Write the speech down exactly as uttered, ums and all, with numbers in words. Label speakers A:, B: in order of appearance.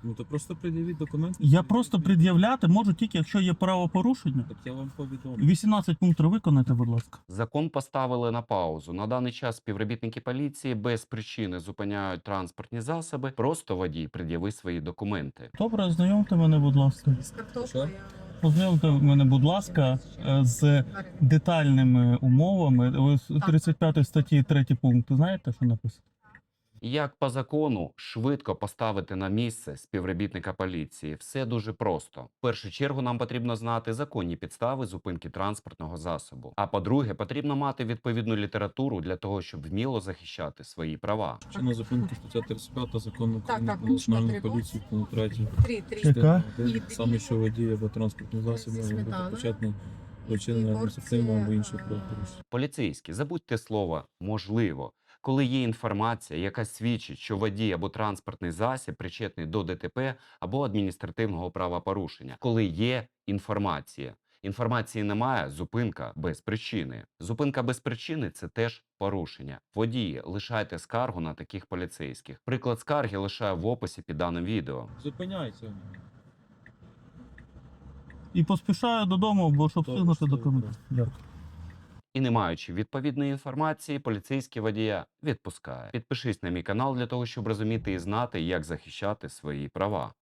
A: Ну то просто пред'явіть документи.
B: Я просто пред'являти можу тільки, якщо є правопорушення.
A: Так я вам повідомлю.
B: вісімнадцять пунктів виконайте, будь ласка.
C: Закон поставили на паузу. На даний час співробітники поліції без причини зупиняють транспортні засоби. Просто водій пред'яви свої документи.
B: Добре, ознайомте мене, будь ласка.
D: З картоплею.
B: Ознайомте мене, будь ласка, е, з детальними умовами. Ви з тридцять п'ятої статті третій пункт знаєте, що написано?
C: Як по закону швидко поставити на місце співробітника поліції? Все дуже просто. В першу чергу нам потрібно знати законні підстави зупинки транспортного засобу. А по-друге, потрібно мати відповідну літературу для того, щоб вміло захищати свої права.
A: Чинна зупинка стаття тридцять п'ята закону
D: Так,
A: України
D: так,
A: про національну
D: тривог.
A: поліцію, пункт третій.
D: Три, три.
B: Яка?
A: Один.
D: І
A: Саме
D: дві.
A: що водій або транспортний засіб
D: Зі
A: може бути
D: сметаною.
A: початний до
D: І
A: вчинення адміністративного або
D: порція,
A: іншого
D: а,
A: правопорушення.
C: Поліцейські, забудьте слово «можливо». Коли є інформація, яка свідчить, що водій або транспортний засіб причетний до ДТП або адміністративного правопорушення. Коли є інформація. Інформації немає – зупинка без причини. Зупинка без причини – це теж порушення. Водії, лишайте скаргу на таких поліцейських. Приклад скарги лишаю в описі під даним відео.
A: Зупиняйся.
B: І поспішаю додому, бо щоб
A: Добре,
B: встигнути
A: добре.
B: документи. Дякую.
C: І не маючи відповідної інформації, поліцейський водія відпускає. Підпишись на мій канал для того, щоб розуміти і знати, як захищати свої права.